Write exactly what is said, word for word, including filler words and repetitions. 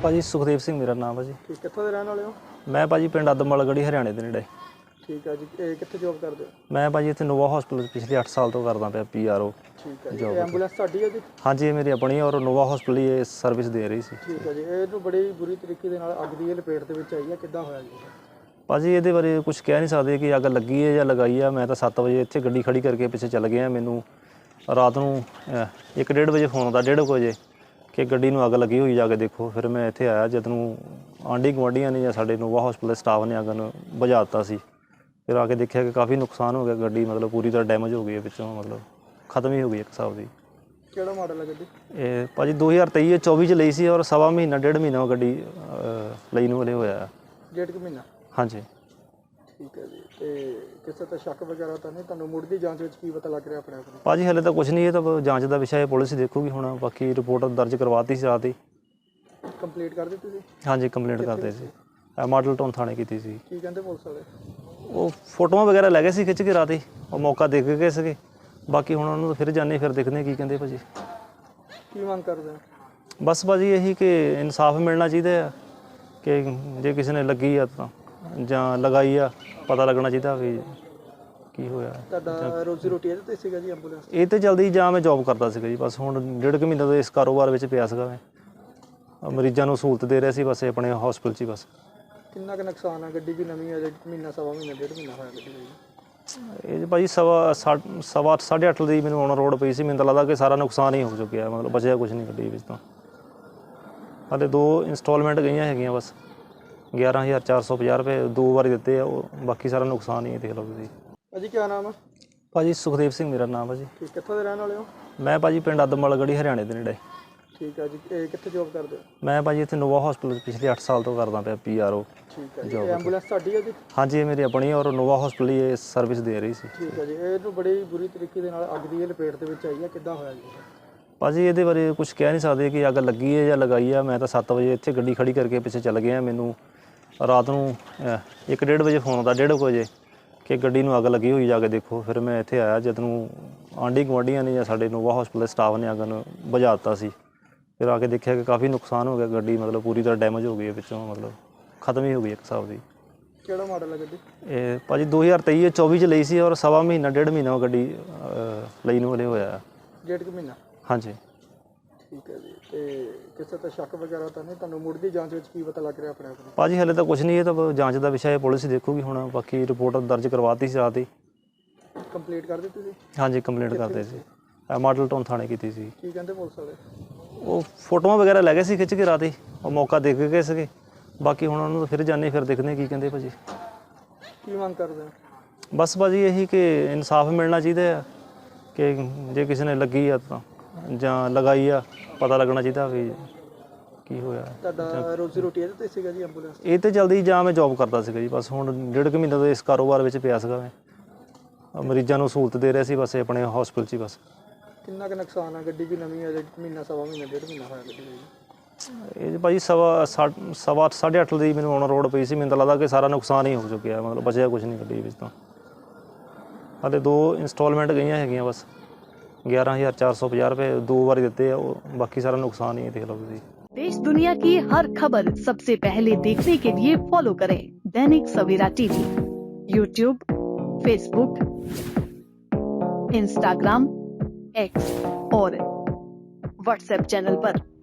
ਭਾਜੀ ਸੁਖਦੇਵ ਸਿੰਘ ਮੇਰਾ ਨਾਮ ਹੈ ਜੀ। ਠੀਕ, ਕਿੱਥੋਂ ਦੇ ਰਹਿਣ ਵਾਲੇ ਹੋ? ਮੈਂ ਭਾਜੀ ਪਿੰਡ ਅਦਮਵਾਲ ਗੜੀ ਹਰਿਆਣੇ ਦੇ ਨੇੜੇ। ਠੀਕ ਹੈ ਜੀ, ਇਹ ਕਿੱਥੇ ਜੋਬ ਕਰਦੇ ਹੋ? ਮੈਂ ਭਾਜੀ ਇੱਥੇ ਨੋਵਾ ਹਸਪੀਟਲ ਪਿਛਲੇ ਅੱਠ ਸਾਲ ਤੋਂ ਕਰਦਾ ਪਿਆ ਪੀ ਆਰ ਓ। ਠੀਕ ਹੈ ਜੀ, ਇਹ ਐਂਬੂਲੈਂਸ ਤੁਹਾਡੀ ਹੈ ਜੀ? ਹਾਂਜੀ, ਇਹ ਮੇਰੀ ਆਪਣੀ ਹੈ ਔਰ ਨੋਵਾ ਹਸਪੀਟਲ ਹੀ ਇਹ ਸਰਵਿਸ ਦੇ ਰਹੀ ਸੀ। ਠੀਕ ਹੈ ਜੀ, ਇਹਨੂੰ ਬੜੀ ਬੁਰੀ ਤਰੀਕੇ ਦੇ ਨਾਲ ਅੱਗ ਦੀ ਇਹ ਲਪੇਟ ਦੇ ਵਿੱਚ ਆਈ ਹੈ, ਕਿੱਦਾਂ ਹੋਇਆ ਜੀ? ਭਾਜੀ ਇਹਦੇ ਬਾਰੇ ਕੁਝ ਕਹਿ ਨਹੀਂ ਸਕਦੇ ਕਿ ਅੱਗ ਲੱਗੀ ਹੈ ਜਾਂ ਲਗਾਈ ਹੈ। ਮੈਂ ਤਾਂ ਸੱਤ ਵਜੇ ਇੱਥੇ ਗੱਡੀ ਖੜੀ ਕਰਕੇ ਪਿੱਛੇ ਚੱਲ ਗਿਆ। ਮੈਨੂੰ ਰਾਤ ਨੂੰ ਅਹ, ਇੱਕ ਡੇਢ ਵਜੇ ਫੋਨ ਆਉਂਦਾ, ਡੇਢ ਕੁ ਵਜੇ ਕਿ ਗੱਡੀ ਨੂੰ ਅੱਗ ਲੱਗੀ ਹੋਈ, ਜਾ ਕੇ ਦੇਖੋ। ਫਿਰ ਮੈਂ ਇੱਥੇ ਆਇਆ, ਜਦ ਨੂੰ ਆਂਢੀ ਗੁਆਂਢੀਆਂ ਨੇ ਜਾਂ ਸਾਡੇ ਨੋਵਾ ਹਸਪੀਟਲ ਦੇ ਸਟਾਫ ਨੇ ਅੱਗ ਨੂੰ ਬੁਝਾ ਦਿੱਤਾ ਸੀ। ਫਿਰ ਆ ਕੇ ਦੇਖਿਆ ਕਿ ਕਾਫੀ ਨੁਕਸਾਨ ਹੋ ਗਿਆ, ਗੱਡੀ ਮਤਲਬ ਪੂਰੀ ਤਰ੍ਹਾਂ ਡੈਮੇਜ ਹੋ ਗਈ ਹੈ, ਵਿੱਚੋਂ ਮਤਲਬ ਖਤਮ ਹੀ ਹੋ ਗਈ ਇੱਕ ਹਿਸਾਬ ਦੀ। ਕਿਹੜਾ ਮਾਡਲ ਹੈ ਗੱਡੀ? ਇਹ ਭਾਜੀ ਦੋ ਹਜ਼ਾਰ ਤੇਈ ਚੌਵੀ 'ਚ ਲਈ ਸੀ ਔਰ ਸਵਾ ਮਹੀਨਾ ਡੇਢ ਮਹੀਨਾ ਉਹ ਗੱਡੀ ਅਹ, ਲਈ ਨੂੰ ਹਲੇ ਹੋਇਆ। ਡੇਢ ਕੁ ਮਹੀਨਾ? ਹਾਂਜੀ। ਠੀਕ ਹੈ ਜੀ, ਤੇ ਕਿਸੇ ਤੇ ਸ਼ੱਕ ਵਗੈਰਾ ਤਾਂ ਨਹੀਂ? ਤੁਹਾਨੂੰ ਮੁੱਢਲੀ ਜਾਂਚ ਵਿੱਚ ਕੀ ਪਤਾ ਲੱਗ ਰਿਹਾ ਆਪਣੇ ਆਪ ਨੂੰ? ਭਾਜੀ ਹਲੇ ਤਾਂ ਕੁਝ ਨਹੀਂ, ਇਹ ਤਾਂ ਜਾਂਚ ਦਾ ਵਿਸ਼ਾ ਹੈ, ਪੁਲਿਸ ਹੀ ਦੇਖੂਗੀ ਹੁਣ। ਬਾਕੀ ਰਿਪੋਰਟ ਦਰਜ ਕਰਵਾਤੀ ਸੀ ਰਾਤ ਹੀ। ਕੰਪਲੀਟ ਕਰ ਦਿੱਤੀ ਸੀ? ਹਾਂਜੀ, ਕੰਪਲੇਂਟ ਕਰਦੇ ਸੀ। ਮਾਡਲ ਟਾਊਨ ਥਾਣੇ ਕੀਤੀ ਸੀ। ਕੀ ਕਹਿੰਦੇ ਪੁਲਿਸ ਵਾਲੇ? ਉਹ ਫੋਟੋਆਂ ਵਗੈਰਾ ਲੈ ਗਏ ਸੀ ਖਿੱਚ ਕੇ ਰਾਤ ਹੀ, ਉਹ ਮੌਕਾ ਦੇਖ ਗਏ ਸੀਗੇ। ਬਾਕੀ ਹੁਣ ਉਹਨੂੰ ਫਿਰ ਜਾਣੇ, ਫਿਰ ਦੇਖਦੇ ਕੀ ਕਹਿੰਦੇ ਭਾਜੀ। ਕੀ ਮੰਗ ਕਰਦੇ ਹੋ? ਬਸ ਭਾਜੀ ਇਹੀ ਕਿ ਇਨਸਾਫ ਮਿਲਣਾ ਚਾਹੀਦਾ ਆ, ਕਿ ਜੇ ਕਿਸੇ ਨੇ ਲੱਗੀ ਆ ਤਾਂ ਜਾਂ ਲਗਾਈ ਆ, ਪਤਾ ਲੱਗਣਾ ਚਾਹੀਦਾ ਵੀ ਕੀ ਹੋਇਆ। ਤੁਹਾਡਾ ਰੋਜ਼ੀ ਰੋਟੀ ਇਹਦੇ ਤੇ ਸੀਗਾ ਜੀ ਐਂਬੂਲੈਂਸ? ਇਹ ਤੇ ਜਲਦੀ ਜਾਂ ਮੈਂ ਜੋਬ ਕਰਦਾ ਸੀਗਾ ਜੀ। ਬਸ ਹੁਣ ਡੇਢ ਕੁ ਮਹੀਨੇ ਤੋਂ ਇਸ ਕਾਰੋਬਾਰ ਵਿੱਚ ਪਿਆ ਸੀਗਾ ਮੈਂ। ਮਰੀਜ਼ਾਂ ਨੂੰ ਸਹੂਲਤ ਦੇ ਰਿਹਾ ਸੀ ਬਸ ਆਪਣੇ ਹਸਪੀਟਲ 'ਚ ਹੀ ਬਸ। ਕਿੰਨਾ ਕੁ ਨੁਕਸਾਨ ਹੈ? ਗੱਡੀ ਵੀ ਨਵੀਂ ਹੈ, ਮਹੀਨਾ ਸਵਾ ਮਹੀਨਾ ਡੇਢ ਮਹੀਨਾ ਹੋਇਆ ਗੱਡੀ ਲਈ। ਇਹ ਭਾਜੀ ਸਵਾ ਸਵਾ ਅੱਠ ਸਾਢੇ ਅੱਠ ਦੀ ਮੈਨੂੰ ਔਨ ਰੋਡ ਪਈ ਸੀ। ਮੈਨੂੰ ਤਾਂ ਲੱਗਦਾ ਕਿ ਸਾਰਾ ਨੁਕਸਾਨ ਹੀ ਹੋ ਚੁੱਕਿਆ, ਮਤਲਬ ਬਚਿਆ ਕੁਝ ਨਹੀਂ ਗੱਡੀ ਵਿੱਚ ਤਾਂ। ਹਾਲੇ ਦੋ ਇੰਸਟਾਲਮੈਂਟ ਗਈਆਂ ਹੈਗੀਆਂ ਬਸ, ਗਿਆਰਾਂ ਹਜ਼ਾਰ ਚਾਰ ਸੌ ਪੰਜਾਹ ਰੁਪਏ ਦੋ ਵਾਰੀ ਦਿੱਤੇ ਆ। ਉਹ ਬਾਕੀ ਸਾਰਾ ਨੁਕਸਾਨ ਹੀ ਦੇਖ ਲਓ ਤੁਸੀਂ। ਭਾਜੀ ਕੀ ਨਾਮ ਹੈ? ਭਾਜੀ ਸੁਖਦੇਵ ਸਿੰਘ ਮੇਰਾ ਨਾਮ ਹੈ ਜੀ। ਠੀਕ, ਕਿੱਥੋਂ ਦੇ ਰਹਿਣ ਵਾਲੇ ਹੋ? ਮੈਂ ਭਾਜੀ ਪਿੰਡ ਅਦਮਵਾਲ ਗੜੀ ਹਰਿਆਣੇ ਦੇ ਨੇੜੇ। ਠੀਕ ਹੈ ਜੀ, ਇਹ ਕਿੱਥੇ ਜੋਬ ਕਰਦੇ ਹੋ? ਮੈਂ ਭਾਜੀ ਇੱਥੇ ਨੋਵਾ ਹਸਪੀਟਲ ਪਿਛਲੇ ਅੱਠ ਸਾਲ ਤੋਂ ਕਰਦਾ ਪਿਆ ਪੀ ਆਰ ਓ। ਠੀਕ ਹੈ ਜੀ, ਇਹ ਐਂਬੂਲੈਂਸ ਤੁਹਾਡੀ ਹੈ ਜੀ? ਹਾਂਜੀ, ਇਹ ਮੇਰੀ ਆਪਣੀ ਹੈ ਔਰ ਨੋਵਾ ਹਸਪੀਟਲ ਹੀ ਇਹ ਸਰਵਿਸ ਦੇ ਰਹੀ ਸੀ। ਠੀਕ ਹੈ ਜੀ, ਇਹਨੂੰ ਬੜੀ ਬੁਰੀ ਤਰੀਕੇ ਦੇ ਨਾਲ ਅੱਗ ਦੀ ਇਹ ਲਪੇਟ ਦੇ ਵਿੱਚ ਆਈ ਹੈ, ਕਿੱਦਾਂ ਹੋਇਆ ਜੀ? ਭਾਜੀ ਇਹਦੇ ਬਾਰੇ ਕੁਝ ਕਹਿ ਨਹੀਂ ਸਕਦੇ ਕਿ ਅੱਗ ਲੱਗੀ ਹੈ ਜਾਂ ਲਗਾਈ ਹੈ। ਮੈਂ ਤਾਂ ਸੱਤ ਵਜੇ ਇੱਥੇ ਗੱਡੀ ਖੜੀ ਕਰਕੇ ਪਿੱਛੇ ਚੱਲ ਗਿਆ। ਮੈਨੂੰ ਰਾਤ ਨੂੰ ਅਹ, ਇੱਕ ਡੇਢ ਵਜੇ ਫੋਨ ਆਉਂਦਾ, ਡੇਢ ਕੁ ਵਜੇ ਕਿ ਗੱਡੀ ਨੂੰ ਅੱਗ ਲੱਗੀ ਹੋਈ, ਜਾ ਕੇ ਦੇਖੋ। ਫਿਰ ਮੈਂ ਇੱਥੇ ਆਇਆ, ਜਦ ਨੂੰ ਆਂਢੀ ਗੁਆਂਢੀਆਂ ਨੇ ਜਾਂ ਸਾਡੇ ਨੋਵਾ ਹਸਪੀਟਲ ਦੇ ਸਟਾਫ ਨੇ ਅੱਗ ਨੂੰ ਬੁਝਾ ਦਿੱਤਾ ਸੀ। ਫਿਰ ਆ ਕੇ ਦੇਖਿਆ ਕਿ ਕਾਫੀ ਨੁਕਸਾਨ ਹੋ ਗਿਆ, ਗੱਡੀ ਮਤਲਬ ਪੂਰੀ ਤਰ੍ਹਾਂ ਡੈਮੇਜ ਹੋ ਗਈ ਹੈ, ਵਿੱਚੋਂ ਮਤਲਬ ਖਤਮ ਹੀ ਹੋ ਗਈ ਇੱਕ ਹਿਸਾਬ ਦੀ। ਕਿਹੜਾ ਮਾਡਲ ਹੈ ਗੱਡੀ? ਇਹ ਭਾਜੀ ਦੋ ਹਜ਼ਾਰ ਤੇਈ ਚੌਵੀ 'ਚ ਲਈ ਸੀ ਔਰ ਸਵਾ ਮਹੀਨਾ ਡੇਢ ਮਹੀਨਾ ਉਹ ਗੱਡੀ ਅਹ, ਲਈ ਨੂੰ ਹਲੇ ਹੋਇਆ। ਡੇਢ ਕੁ ਮਹੀਨਾ? ਹਾਂਜੀ। ਠੀਕ ਹੈ ਜੀ, ਤੇ ਕਿਸੇ ਤੇ ਸ਼ੱਕ ਵਗੈਰਾ ਤਾਂ ਨਹੀਂ? ਤੁਹਾਨੂੰ ਮੁੱਢਲੀ ਜਾਂਚ ਵਿੱਚ ਕੀ ਪਤਾ ਲੱਗ ਰਿਹਾ ਆਪਣੇ ਆਪ ਨੂੰ? ਭਾਜੀ ਹਲੇ ਤਾਂ ਕੁਝ ਨਹੀਂ, ਇਹ ਤਾਂ ਜਾਂਚ ਦਾ ਵਿਸ਼ਾ ਹੈ, ਪੁਲਿਸ ਹੀ ਦੇਖੂਗੀ ਹੁਣ। ਬਾਕੀ ਰਿਪੋਰਟ ਦਰਜ ਕਰਵਾਤੀ ਸੀ ਰਾਤ ਹੀ। ਕੰਪਲੀਟ ਕਰ ਦਿੱਤੀ ਸੀ? ਹਾਂਜੀ, ਕੰਪਲੇਂਟ ਕਰਦੇ ਸੀ। ਮਾਡਲ ਟਾਊਨ ਥਾਣੇ ਕੀਤੀ ਸੀ। ਕੀ ਕਹਿੰਦੇ ਪੁਲਿਸ ਵਾਲੇ? ਉਹ ਫੋਟੋਆਂ ਵਗੈਰਾ ਲੈ ਗਏ ਸੀ ਖਿੱਚ ਕੇ ਰਾਤ ਹੀ, ਉਹ ਮੌਕਾ ਦੇਖ ਗਏ ਸੀਗੇ। ਬਾਕੀ ਹੁਣ ਉਹਨੂੰ ਫਿਰ ਜਾਣੇ, ਫਿਰ ਦੇਖਦੇ ਕੀ ਕਹਿੰਦੇ ਭਾਜੀ। ਕੀ ਮੰਗ ਕਰਦੇ ਹੋ? ਬਸ ਭਾਜੀ ਇਹੀ ਕਿ ਇਨਸਾਫ ਮਿਲਣਾ ਚਾਹੀਦਾ ਆ, ਕਿ ਜੇ ਕਿਸੇ ਨੇ ਲੱਗੀ ਆ ਤਾਂ ਜਾਂ ਲਗਾਈ ਆ, ਪਤਾ ਲੱਗਣਾ ਚਾਹੀਦਾ ਵੀ ਕੀ ਹੋਇਆ। ਤੁਹਾਡਾ ਰੋਜ਼ੀ ਰੋਟੀ ਇਹਦੇ ਤੇ ਸੀਗਾ ਜੀ ਐਂਬੂਲੈਂਸ? ਇਹ ਤੇ ਜਲਦੀ ਜਾਂ ਮੈਂ ਜੋਬ ਕਰਦਾ ਸੀਗਾ ਜੀ। ਬਸ ਹੁਣ ਡੇਢ ਕੁ ਮਹੀਨੇ ਤੋਂ ਇਸ ਕਾਰੋਬਾਰ ਵਿੱਚ ਪਿਆ ਸੀਗਾ ਮੈਂ। ਮਰੀਜ਼ਾਂ ਨੂੰ ਸਹੂਲਤ ਦੇ ਰਿਹਾ ਸੀ ਬਸ ਆਪਣੇ ਹਸਪੀਟਲ 'ਚ ਹੀ ਬਸ। ਕਿੰਨਾ ਕੁ ਨੁਕਸਾਨ ਹੈ? ਗੱਡੀ ਵੀ ਨਵੀਂ ਹੈ, ਮਹੀਨਾ ਸਵਾ ਮਹੀਨਾ ਡੇਢ ਮਹੀਨਾ ਹੋਇਆ ਗੱਡੀ ਲਈ। ਇਹ ਭਾਜੀ ਸਵਾ ਸਵਾ ਅੱਠ ਸਾਢੇ ਅੱਠ ਦੀ ਮੈਨੂੰ ਔਨ ਰੋਡ ਪਈ ਸੀ। ਮੈਨੂੰ ਤਾਂ ਲੱਗਦਾ ਕਿ ਸਾਰਾ ਨੁਕਸਾਨ ਹੀ ਹੋ ਚੁੱਕਿਆ, ਮਤਲਬ ਬਚਿਆ ਕੁਝ ਨਹੀਂ ਗੱਡੀ ਵਿੱਚ ਤਾਂ। ਹਾਲੇ ਦੋ ਇੰਸਟਾਲਮੈਂਟ ਗਈਆਂ ਹੈਗੀਆਂ ਬਸ, ਗਿਆਰਾਂ ਹਜ਼ਾਰ ਚਾਰ ਸੌ ਪੰਜਾਹ ਰੁਪਏ ਦੋ ਵਾਰੀ ਦਿੱਤੇ ਆ। ਉਹ ਬਾਕੀ ਸਾਰਾ ਨੁਕਸਾਨ ही देख लो ਤੁਸੀਂ। देश दुनिया की हर खबर सबसे पहले देखने के लिए फॉलो करें Dainik Savera TV, YouTube, Facebook, Instagram, X और व्हाट्सएप चैनल पर।